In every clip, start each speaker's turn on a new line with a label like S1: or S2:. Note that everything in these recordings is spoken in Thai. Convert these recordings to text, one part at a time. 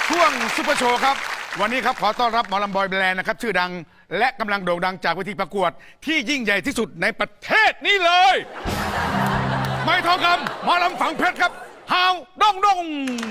S1: ช่วงซุปเปอร์โชว์ครับวันนี้ครับขอต้อนรับหมอลำบอยแบรนด์นะครับชื่อดังและกำลังโด่งดังจากเวทีประกวดที่ยิ่งใหญ่ที่สุดในประเทศนี้เลยไม้ทองคำหมอลำฝังเพชรครับฮาวดงดง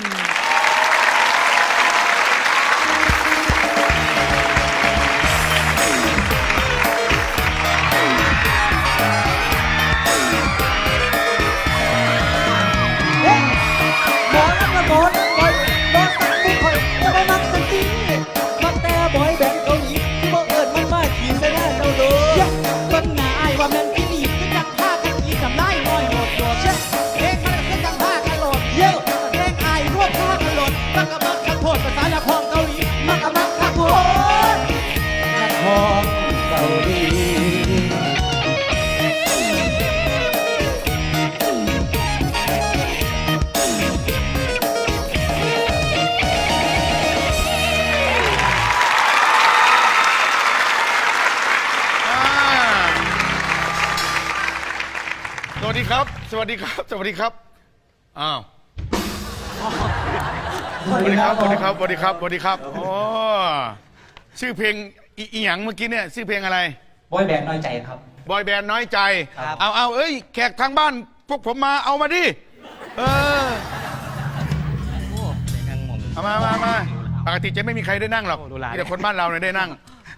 S1: สวัสดีครับสวัสดีครับสวัสดีครับอ้าวสวัสดีครับสวัสดีครับสวัสดีครับสวัสดีครับโอ้ชื่อเพลงอีหยังเมื่อกี้เนี่ยชื่อเพลงอะไร
S2: บอยแบนด์น้อยใจครับ
S1: บอยแบนด์น้อยใจเอาเอ้ยแขกทางบ้านพวกผมมาเอามาดิเอามาปกติจะไม่มีใครได้นั่งหรอกมีแต่คนบ้านเราเนี่ยได้นั่ง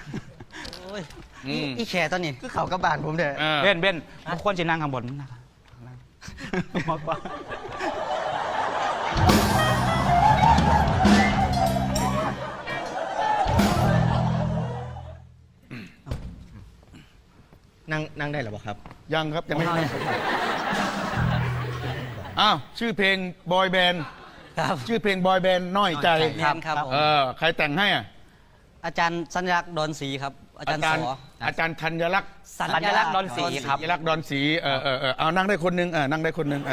S3: อีแขตอนนี้คือเขากับบานผมเด้อ
S2: เบนบางคนจะนั่งข้างบนนะครับมากกว่า
S3: นั่งได้หรือเปล่าครับ
S1: ยังครับยังไม่ได้อ้าวชื่อเพลงบอยแบนด์ชื่อเพลงบอยแบนด์น้อยใจ
S3: ครับ
S1: ใครแต่งให้อ่ะ
S3: อาจารย์สัญลักษณ์ดอนศรีครับอาจารย์
S1: ธัญลักษณ์
S3: สัญลักษณ์ดอนศรีครับ
S1: สัญลักษณ์ดอนศรีเอานั่งได้คนนึงนั่งได้คนนึง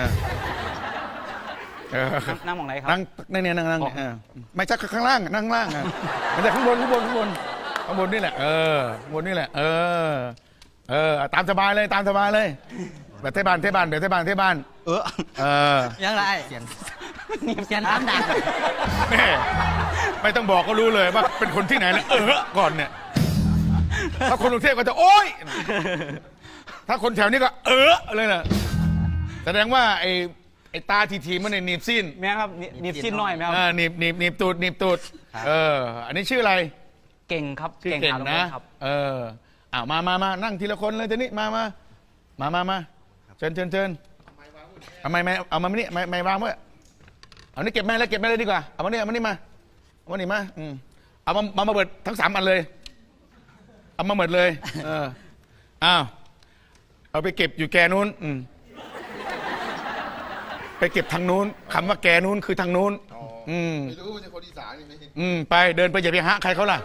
S2: นั่งมองไหนครับ
S1: นั่งไม่ใช่ข้างล่างนั่งล่างไม่ใช่ข้างบนนี่แหละข้างบนนี่แหละตามสบายเลยแบบเทบ้าน
S3: ยังไรเสียนน้ำดัง
S1: ไม่ต้องบอกก็รู้เลยว่าเป็นคนที่ไหนแล้วก่อนเนี่ยถ้าคนกรุงเทพก็จะโอ๊ยถ้าคนแถวนี้ก็เลยนะแสดงว่าไอ้ตาทีมันในหนีบสิ้น
S2: แม่ครับหนีบสิ้นน้อยไหมครับ
S1: หนีบตูดอันนี้ชื่ออะไร
S2: เก่งครับ
S1: เก่งนะครับมานั่งทีละคนเลยทีนี้มาเชิญเอามานี่ไม่วางเมื่อเอานี่เก็บแม่เลยดีกว่าเอามานี่มาเอามาเบิดทั้ง3 อันเลยเอามาหมดเลยเอาไปเก็บอยู่แกนู้นไปเก็บทางนู้นคำว่าแกนู้นคือทางนู้น
S4: ไม่รู้จะคนอีสานนี่
S1: ไปเดินไปอย่าไปหาใครเขาล่ะ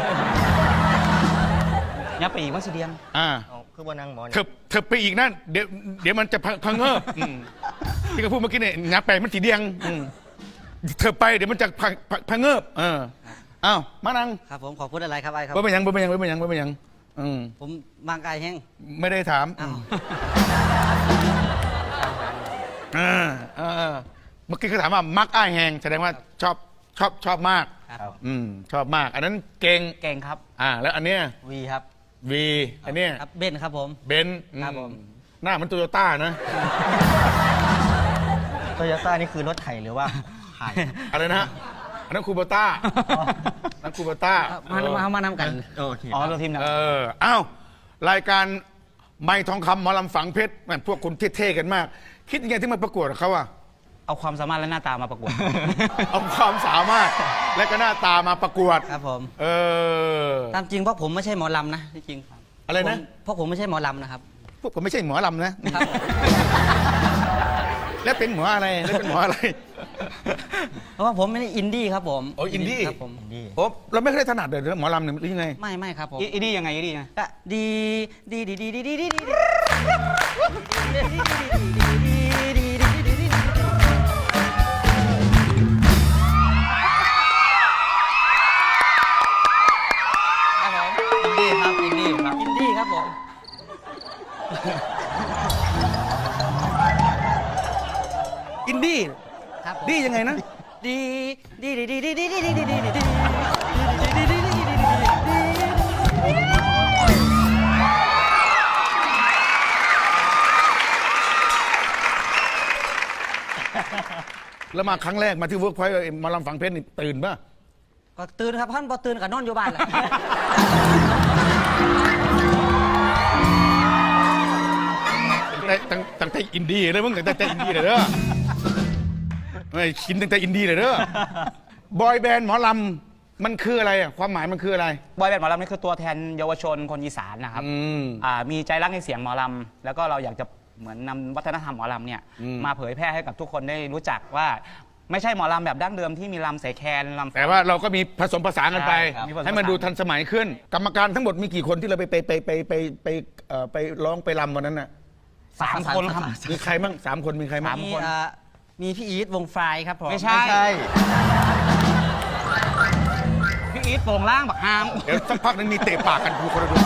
S2: ยับไปอีกมั้งสิเดียง
S3: คือว่านั่งหมอ
S1: เธอไปอีกนั่นเดี๋ยวมันจะพังเงอที่เขาพูดเมื่อกี้เนี่ยยับไปมันสีเดียงเธอไปเดี๋ยวมันจะพังเงอมานั่ง
S3: ครับผมขอพูดอะไรครับไอ้ครับ
S1: ไม่ยัง
S3: ผมมากไกลแห้ง
S1: ไม่ได้ถามเมื่อกี้เขาถามว่ามักอ้ายแหงแสดงว่าชอบมากชอบมากอันนั้นเก่ง
S2: ครับ
S1: แล้วอันเนี้ย
S3: วีครับ
S1: วีอันเนี้ย
S3: ครับเบนครับผม
S1: เบนครับผมหน้ามันโตโยต้านะ
S3: โตโยต้านี่คือรถไถหรือว่าไถ
S1: อะไรนะอันนั้นคูโบต้านั่นคูโบต้
S3: ามานำกัน
S2: ตัวทีมนะ
S1: รายการไม้ทองคำหมอลำฝังเพชรพวกคุณเท่ๆกันมากคิดยังไงที่มาประกวดเขา
S2: เอาความสามารถและหน้าตามาประกวด
S1: เอาความสามารถและก็หน้าตามาประกวด
S3: ครับผมตามจริงพวกผมไม่ใช่หมอลำนะจริง
S1: อะไรนะ
S3: พวกผมไม่ใช่หมอลำนะครับ
S1: พวกผมไม่ใช่หมอลำนะแล้วเป็นหมออะไร
S3: เพราะว่าผมไม่ได้อินดี้ครับผม
S1: อินดี้
S3: ครับผม
S1: เราไม่เคยถนัดเลยหมอลำหรือยังไง
S3: ไม่ครับผม
S2: อินดี้ยังไง
S3: ก็ดีครับผม
S1: อินดี้ครับดียังไงนะ
S3: ดีดีดีดีดีดีดีดีดีดีดีดี
S1: แล้วมาครั้งแรกมาที่เวิร์กพอยต์มาลำฝังเพชรนี่ตื่นป่ะ
S3: ก็ตื่นครับท่านพอตื่นกับนอนอยู่บ้านแหละ
S1: ตั้งแต่อินดี้เลยมึงตั้งแต่อินดี้เลยเด้อไม่ชินตั้งแต่อินดี้เลยเด้อบอยแบนด์หมอลำมันคืออะไรอ่ะความหมายมันคืออะไร
S2: บอยแบนด์หมอลำนี่คือตัวแทนเยาวชนคนอีสานนะครับ มีใจรักในเสียงหมอลำแล้วก็เราอยากจะเหมือนนำวัฒนธรรมหมอลำเนี่ยมาเผยแพร่ให้กับทุกคนได้รู้จักว่าไม่ใช่หมอลำแบบดั้งเดิมที่มีลำเสแคนลำ
S1: แต่ว่าเราก็มีผสมผสานกันไป
S2: ใช่ครับมีผสมผสาน
S1: ให้มันดูทันสมัยขึ้น กรรมการทั้งหมดมีกี่คนที่เราไปร้องไปรำวันนั้นน่ะ
S2: 3 คนครับ
S1: มีใครมั่ง3 คนมีใครมั่ง
S3: มีพี่อีทวงไฟครับผม
S2: ไม่ใช่ พี่อีทโป่งล่างบักฮาม
S1: เดี๋ยวสักพักนึงมีเตะปากกันดูคนละดู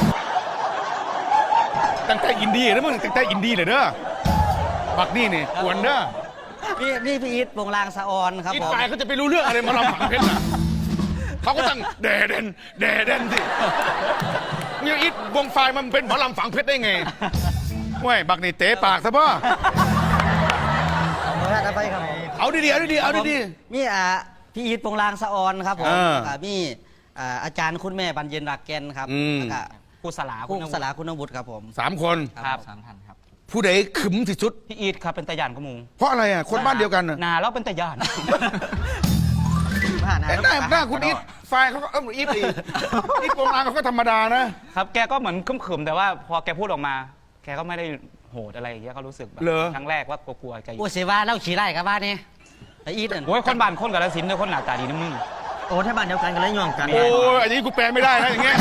S1: ตั้งแต่อินดี้แล้วมึงตั้งแต่อินดี้เลยเด้อบักนี่นี่กวนเด้อ
S3: นี่พี่อีทวงลางสะออนครับ
S1: อี
S3: ผม
S1: ปายเขาจะไปรู้เรื่องอะไรมาลำฝังเพชรน่ะเขาก็ตั้งแดเดนสิเนี่ยอีทวงไฟมันเป็นหมอลำฝังเพชรได้ไงเว้ยบักนี่เตะปากซะพ่อ
S3: ไปครับผม
S1: เอาดีๆเอาดี
S3: มีพี่อีทวงลางสะออนครับผม
S1: อ่า
S3: มีอาจารย์คุณแม่บรรเย็นรักแกนครับ
S1: อืม
S3: แล้วก็
S2: ครูสลา
S3: ครูสลาคุณวุฒิครับผม
S1: 3 คน
S2: ครับ
S3: 3 ท่านครับ
S1: ผู้ใดขึมที่สุด
S2: พี่อีทครับเป็นตะยานกระมู
S1: เพราะอะไรอ่ะคนบ้านเดียวกันน่ะ
S2: นาแล้วเป็นตะยาน
S1: แต่หน้าคุณอีทไฟเขาก็อีทอีทวงลางเขาก็ธรรมดานะครับ
S2: แกก็เหมือนขึ้มๆแต่ว่าพอแกพูดออกมา แกก็ไม่ได้โหดอะไรอย่างเงี้ยก็รู้สึกแบบ
S1: เหรอ
S2: ครั้งแรกว่ากลัวๆแกอยู่
S3: โอ้เสียว่าเล่าขี่ไร่กับบ้านนี่ไออีทนั่น
S2: โอ้ยคนบ้านคนกับสินธุ์ด้วยคนหน้าตาดีนะมึง
S3: โอ้ถ้าบ้านเดียวกันกันแล้วย่องกัน
S1: โอ้ยอันนี้กูแปลไม่ได้นะอย่างเงี้ย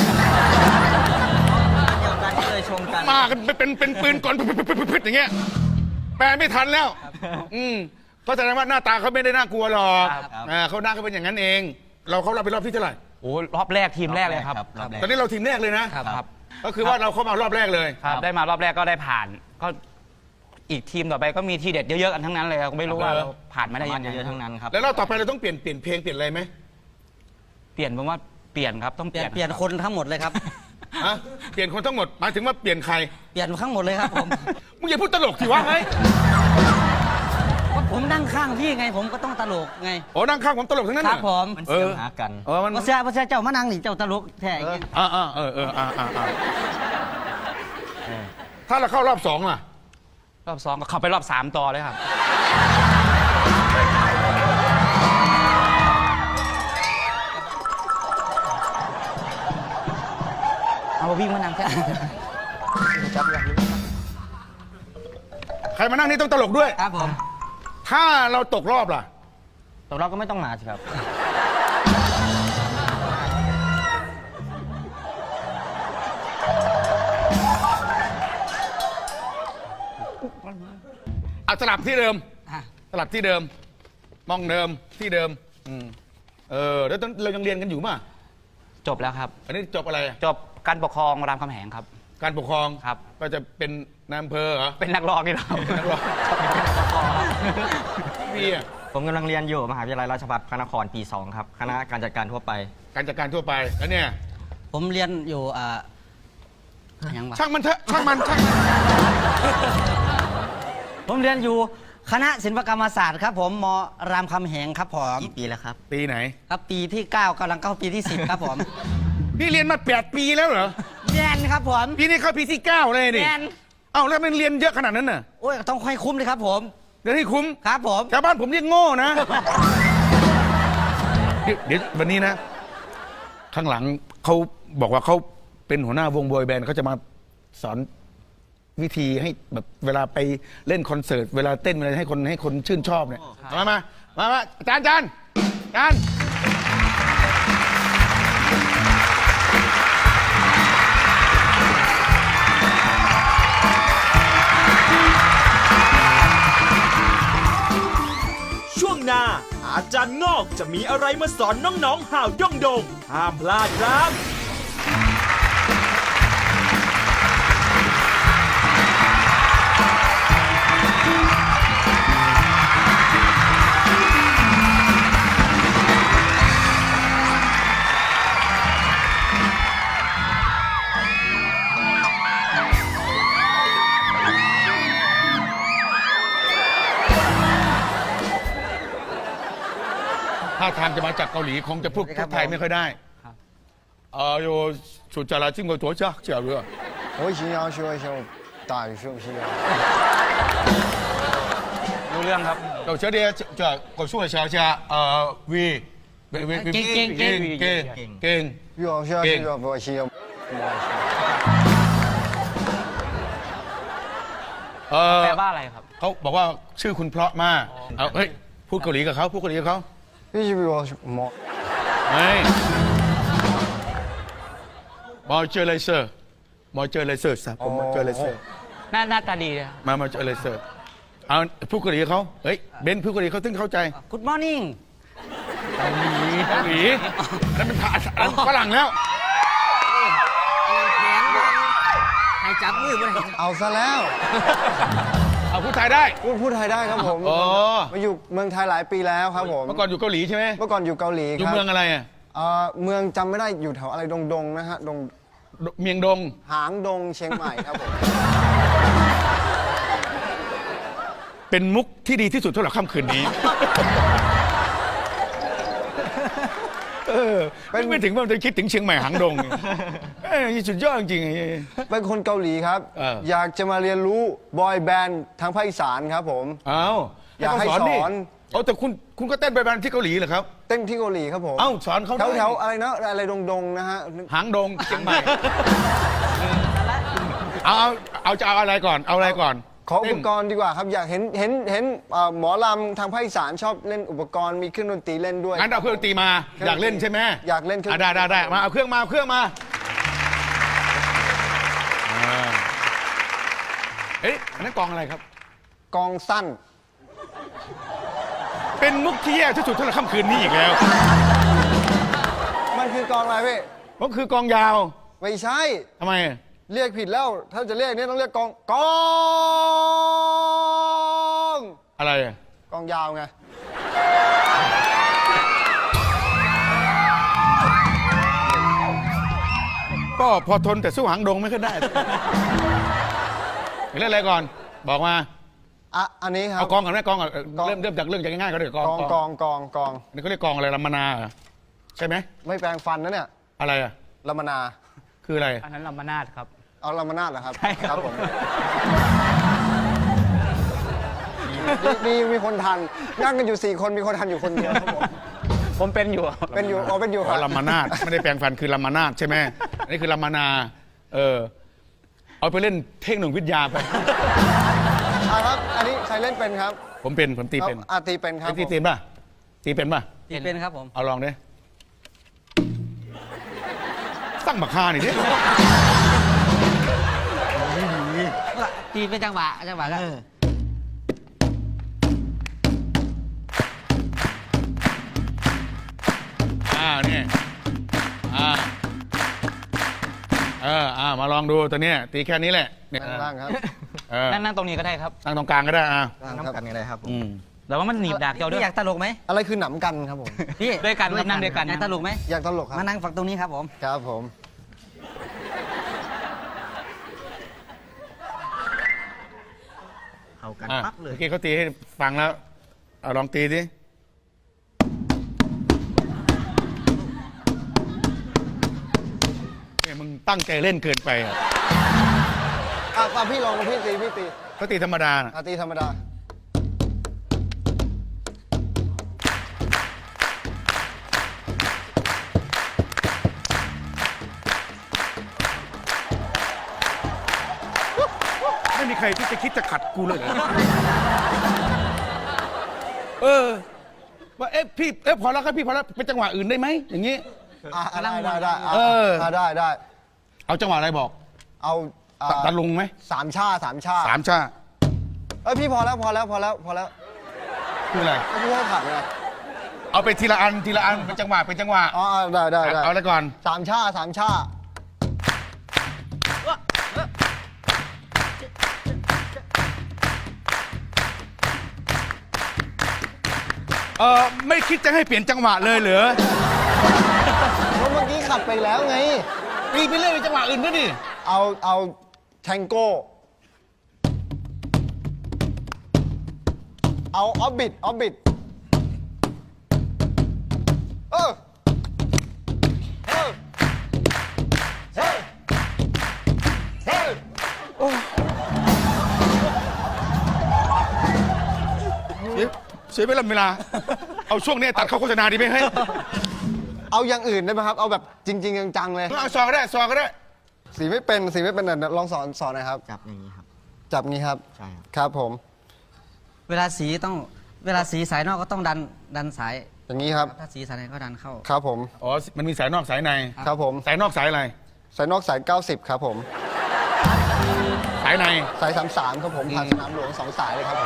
S3: เดียวกันก็เลยชมกัน
S1: มากันเป็นปืนก่อนพึดอย่างเงี้ยแปลไม่ทันแล้วก็แสดงว่าหน้าตาเขาไม่ได้น่ากลัวหรอกเขาหน้าเขาเป็นอย่างนั้นเอง เขาเป็นรอบที่เท่าไหร่
S2: โอ้รอบแรกทีมแรกเลยครับ
S1: ตอนนี้เราทีมแรกเลยนะครับ
S2: ครับ
S1: ก็คือว่าเราเข้ามารอบแรกเลย
S2: ครับได้มารอบแรกก็ได้ผ่านก็อีกทีมต่อไปก็มีทีเด็ดเยอะๆกันทั้งนั้นเลยครับไม่รู้ว่าเราผ่านมาได้ยังไง
S3: เยอะทั้งนั้นครับ
S1: แล้วเราต่อไปเราต้องเปลี่ยนเพลงเปลี่ยนอะไรไหม
S2: เปลี่ยนผมว่าเปลี่ยนครับต้อง
S3: เปลี่ยนคนทั้งหมดเลยครับ
S1: ฮะเปลี่ยนคนทั้งหมดหมายถึงว่าเปลี่ยนใคร
S3: เปลี่ยนทั้งหมดเลยครับผม
S1: มึงอย่าพูดตลกสิวะไง
S3: ก็ผมนั่งข้างพี่ไงผมก็ต้องตลกไง
S1: โอ้นั่งข้างผมตลกทั้งนั้น
S3: ค
S1: น่ะ
S3: รับผม
S1: เออหากันมัน
S3: เพราะเสียเจ้ามานั่งนี่เจ้าตลกแท้อย่างเงี้ย
S1: ถ้าเราเข้ารอบ2ล่ะ
S2: รอบ2ก็เข้าไปรอบ3ต่อเลยครับเอาวิ่งมานั่งแค่
S1: ใครมานั่งนี่ต้องตลกด้วย
S3: ครับผม
S1: ถ้าเราตกรอบล่ะ
S3: ตกเราก็ไม่ต้องมาสิครับ
S1: เอาสลับที่เดิม สลับที่เดิม มองเดิมที่เดิมแล้วเรายังเรียนกันอยู่ป่ะ
S2: จบแล้วครับ
S1: อันนี้จบอะไรอ่ะ
S2: จบการปกครองรามคำแหงครับ
S1: การปกครอง
S2: ครับ
S1: ก็จะเป็นนายอำเภอเหรอ
S2: เป็นนักร้องนี่เรา
S1: เป็นนักร้องพี่อ่ะ
S5: ผมกำลังเรียนอยู่มหาวิทยาลัยราชภัฏพระนครปี 2 ครับ คณะการจัดการทั่วไป
S1: การจัดการทั่วไปแล้วเนี่ย
S3: ผมเรียนอยู่ยังวะ
S1: ช่างมันเถอะช่างมัน
S3: ผมเรียนอยู่คณะศิลปกรรมศาสตร์ครับผมมรามคำแหงครับผม
S5: กี่ปีแล้วครับ
S1: ปีไหน
S3: ครับปีที่ 9กำลังเข้าปีที่ 10 ครับผม
S1: พี่เรียนมา8 ปีแล้วเหรอ
S3: แมนครับผม
S1: ปีนี้เข้าปีที่ 9 เลยนี่
S3: แมน
S1: เอ้าแล้วมันเรียนเยอะขนาดนั้นน่ะ
S3: โอ้ยต้องค่อยคุ้มเลยครับผม
S1: เดี๋ยวให้คุ้ม
S3: ครับผม
S1: ชาวบ้านผมเรียกโง่นะ เดี๋ยววันนี้นะ ข้างหลังเขาบอกว่าเขาเป็นหัวหน้าวงบอยแบนด์เขาจะมาสอนวิธีให้แบบเวลาไปเล่นคอนเสิร์ตเวลาเต้นเวลาให้คนชื่นชอบเนี่ยมาอาจารย์
S6: ช่วงหน้าอาจารย์งอกจะมีอะไรมาสอนน้องๆห่าวด้งดงห้ามพลาดครับ
S1: ถ้าทางจะมาจากเกาหลีคงจะพูดไทยไม่ค่อยได้โยสุจาราจิ้งกับตัวเจ้าเจ้าเรือ
S4: 我想要说一下大语是不是啊？
S2: รู้เรื่องครับ
S1: เราเชื่อเดียจะกดสู้เชียวเชียวีเก่ง
S4: 越好笑是越不行。
S2: แปลว่าอะไรครับ
S1: เขาบอกว่าชื่อคุณเพราะมากเอาเฮ้ยพูดเกาหลีกับเขาพูดเกาหลีกับเขา
S4: 必须比我么？
S1: เฮ้ยมอเจอร์เลเซอร์มอเจอร์เลเซอร์สับผมมอเจอร์เลเซอร์
S2: หน้าตาดีเลยครับ
S1: มาเจอร์เลเซอร์เอาพูดเกาหลีกับเขาเฮ้ยเบนพูดเกาหลีเขาถึงเข้าใจ
S3: Good morning
S1: เกาหลีนั่นเป็นฝรั่งแล้ว
S3: ให้จับมือบ่ได้
S4: เอาซะแล้ว
S1: เอาพูดไทยได้
S4: พูดไทยได้ครับผม
S1: อ๋อ
S4: มาอยู่เมืองไทยหลายปีแล้วครับผม
S1: เมื่อก่อนอยู่เกาหลีใช่ไหม
S4: เมื่อก่อนอยู่เกาหลี
S1: อยู่
S4: ครับ
S1: เมืองอะไรอ่ะ
S4: เมืองจำไม่ได้อยู่แถวอะไรดงนะฮะดง
S1: เมียงดง
S4: หางดงเชียงใหม่ครับผม
S1: เป็นมุกที่ดีที่สุดสำหรับค่ำคืนนี้ ไม่ถึงว่าจะคิดถึงเชียงใหม่หางดงสุดยอดจริง
S4: เป็นคนเกาหลีครับ อยากจะมาเรียนรู้บอยแบนด์ทางภาคอีสานครับผม
S1: ๆอ้าว
S4: อยากให้สอน
S1: เอาแต่คุณก็เต้นไปบ้านที่เกาหลีเหรอครับ
S4: เต้นที่เกาหลีครับผม
S1: เอ้าสอนเขา
S4: แถวอะไรนะอะไรดงนะฮะ
S1: หางดงเชียงใหม่เอาจะเอาอะไรก่อนเอาอะไรก่อน
S4: ขออุปกรณ์ดีกว่าครับ อยากเห็นหมอลำทางภาคอีสานชอบเล่นอุปกรณ์มีเครื่องดนตรีเล่นด้วย
S1: งั้นเอาเครื่องดนตรีมาอยากเล่นใช่ไหม
S4: อยากเล่นเครื่อง
S1: ได้มาเอาเครื่องมาเอ๊ะอันนั้นกองอะไรครับ
S4: กองสั้น
S1: เป็นมุกที่แย่ที่สุดสำหรับค่ำคืนนี้อีกแล้ว
S4: มันคือกองอะไรพี่
S1: ก็คือกองยาว
S4: ไม่ใช่
S1: ทำไม
S4: เรียกผิดแล้ว ถ้าจะเรียกนี่ต้องเรียกกอง
S1: อะไรอะ
S4: กองยาวไง
S1: ก็พอทนแต่สู้หางดงไม่ค่อยได้เล่นอะไรก่อน บอกมา
S4: อันนี้ครับ
S1: เอากองก่อนไหมกองก่อน
S4: กอง
S1: เริ่มจากเรื่องจากง่ายๆก็ได้กอง
S4: กอง
S1: นี่เขาเรียกกองอะไรลำมนาเหรอใช่ไหม
S4: ไม่แปลงฟันนะเนี่ย
S1: อะไรอะ
S4: ลำมนา
S1: คืออะไร
S2: อันนั้นลำมนาดครับ
S4: เอาลำมนาดเหรอครับ
S2: ใช่ครับ
S4: ผมดีมีคนทันนั่งกันอยู่4 คนมีคนทันอยู่คนเดียวครับผม
S2: ผมเป็นอยู่
S4: เป็นอยู่ค
S1: อ๋
S4: รั
S1: อบ ลำมนาดไม่ได้แปลงฟันคือลำมนาดใช่ไหมอันนี้คือลำมนาเอาไปเล่นเทคโนโลยีวิทยาไป
S4: ครับ อันนี้ใครเล่นเป็นครับ
S1: ผมตีเป็น
S4: ตีเป็นครับ
S1: ตีเป็นป่ะตีเป็นป่ะ
S3: เป็นครับผม
S1: เอาลองดิตั้งบักฮาหน่อยดิ
S3: ตีเป็นจังหวะก็
S1: เนี่ยมาลองดูตัวเนี้ยตีแค่นี้แหละเนี่ย
S4: ล่างครับ
S2: นั่งตรงนี้ก็ได้ครับ
S1: ตั้งตรงกลางก็ได้
S5: น้ำ
S4: ล่างครับ
S5: กันกันเลยครับผม
S2: แต่ว่ามันหนีบดากเดียวด้ว
S3: พี่
S2: ย
S3: อยากตลกไหม
S4: อะไรคือหนำกันครับผม
S3: พี่
S2: ด้วยกันครับนั่งด้วยกัน
S3: อยากตลกไหม
S4: อยากตลกครับ
S3: มานั่งฝั่งตรงนี้ครับผม
S4: ครับผม
S5: เอากัน
S1: เมื่
S5: ปั๊บเลย
S1: อกี้เขาตีให้ฟังแล้วเอาลองตีดิเนี่ยมึงตั้งใจเล่นเกินไปอ่ะ
S4: พี่ลองพี่ตี
S1: เขาตีธรรมดาน่ะ
S4: ตีธรรมดา
S1: ไม่มีใครที่จะคิดจะขัดกูเลยเหรอ ว่าพี่พอแล้วครับพี่พอแล้วเป็นจังหวะอื่นได้ไหมอย่างนี้
S4: ได้
S1: เอาจังหวะอะไรบอก
S4: เอา
S1: ตะลุงไหม
S4: สามชา
S1: สามชา
S4: พี่พอแล้ว
S1: คืออะไร
S4: พี่ให้ขาดเลย
S1: เอาไปทีละอันเป็นจังหวะ
S4: ได้
S1: เอาอะไรก่อน
S4: สามชา
S1: ไม่คิดจะให้เปลี่ยนจังหวะเลยเหรอ
S4: เพราะเมื่อกี้ขัดไปแล้วไง
S1: ตีไปเรื่อยเป็นจังหวะอื่นก็ดิ
S4: เอาแทงโก้ เอาออฟบิท
S1: สียเวลา เอาช่วงนี้ตัดเข้าโฆษณาดีไหมเฮ้ย
S4: เอาอย่างอื่นได้ไหมครับ เอาแบบจริง ๆ จังๆเลย
S1: เอาซอก็ได้ซอก็ได้
S4: สีไม่เป็นลองสอนหน่อยครับ
S5: จับอย่างนี้ครับ
S4: จับงี้ครับ
S5: ใช่ครับ
S4: ครับผม
S3: เวลาสีสายนอกก็ต้องดันสาย
S4: อย่างนี้ครับ
S3: ถ้าสีสายในก็ดันเข้า
S4: ครับผม
S1: อ๋อ มันมีสายนอกสายใน
S4: ครับผม
S1: สายนอกสายอะไร
S4: สายนอกสาย 90 ครับผม
S1: สายใน
S4: สาย 33 ครับผมผ่านสนามหลวง2 สายเลยครับผม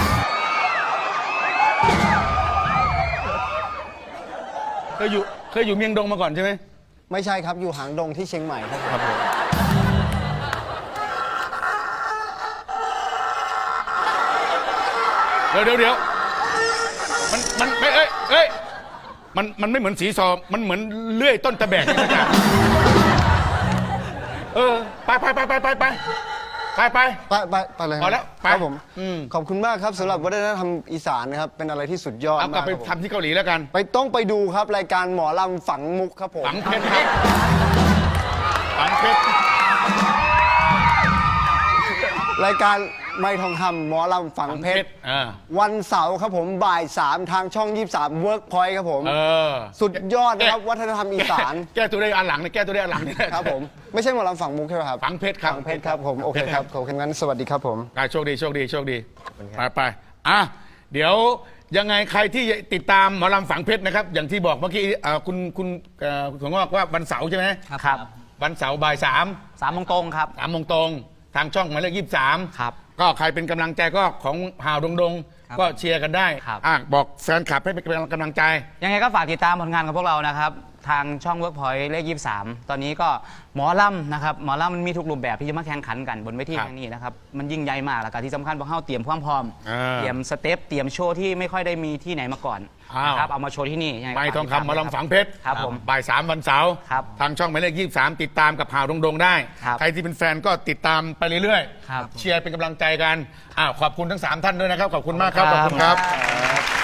S1: เคยอยู่เมียงดงมาก่อนใช่ไหม
S4: ไม่ใช่ครับ อยู่หางดงที่เชียงใหม่ครับผม
S1: ครับผมเดี๋ยวมันไม่เอ้ยมันไม่เหมือนสีซอมันเหมือนเลื่อยต้นตะแบกนี่นะไป
S4: เลย
S1: พอแล้วไป
S4: ครับผม
S1: อืม
S4: ขอบคุณมากครับสำหรับวัฒนธรรมอีสานนะครับ เป็นอะไรที่สุดยอด
S1: เอากลั
S4: มา
S1: บ
S4: ก
S1: ไป
S4: ครับผม
S1: ทำที่เกาหลีแล้วกัน
S4: ต้องไปดูครับรายการหมอลำฝังมุกครับผม
S1: ฝังเพชรครับฝังเพชร
S4: รายการไม่ทองคำหมอลำฝังเพชร วันเสาร์ครับผมบ่าย 3 ทางช่อง 23 Workpoint ครับผม สุดยอดนะครับวัฒนธรรมอีสาน
S1: แก้ตัวได้อันหลังเนี่ยแก้ตัวได้อันหลังเนี่ย
S4: ครับผม ไม่ใช่หมอลำฝังมุกใช่ไหมครับ
S1: ฝังเพชรครับ
S4: ฝังเพชรครับผมโอเคครับขอบคุณงั้นสวัสดีครับผม
S1: โชคดีไปอ่ะเดี๋ยวยังไงใครที่ติดตามหมอลำฝังเพชรนะครับ อย่างที่บอกเมื่อกี้คุณถั่วงอกว่าวันเสาร์ใช่ไหม
S2: ครับ
S1: วันเสาร์บ่าย
S2: 3 โมงตรงครับ
S1: 3 โมงตรงทางช่องหมายเลข23
S2: ครับ
S1: ก็ใครเป็นกำลังใจก็ของห่าวดง
S3: ครับ
S1: ก็เชียร์กันได้
S2: ครับ
S1: บอกแฟนคลับให้เป็นกำลังใจ
S2: ยังไงก็ฝากติดตามผลงานของพวกเรานะครับ ทางช่อง Workpoint เลข 23 ตอนนี้ก็หมอลำนะครับหมอลำมันมีทุกรูปแบบที่จะมาแข่งขันกันบนเวที
S1: ครับ
S2: แห่งนี้นะครับมันยิ่งใหญ่มากแล้วก็ที่สำคัญพวกเราเตรียมความพร้อม เตรียมสเต็ปเตรียมโชว์ที่ไม่ค่อยได้มีที่ไหนมาก่อนนะครับเอามาโชว์ที่นี่ยังงก็
S1: ไม่ทอง
S2: ฝากติดตา
S1: คำหมอลำฝังเพชร
S2: ครับผม
S1: บ่าย 3 วันเสาร์
S2: ครับ
S1: ทางช่องหมายเลข23 ติดตามกับห่าวดงได้
S2: ครับ
S1: ใครที่เป็นแฟนก็ติดตามไปเรื่อย
S2: ครับ
S1: เชียร์เป็นกำลังใจกันขอบคุณทั้ง 3 ท่านด้วยนะครับ ขอบคุณมากครับ ขอบคุณครับ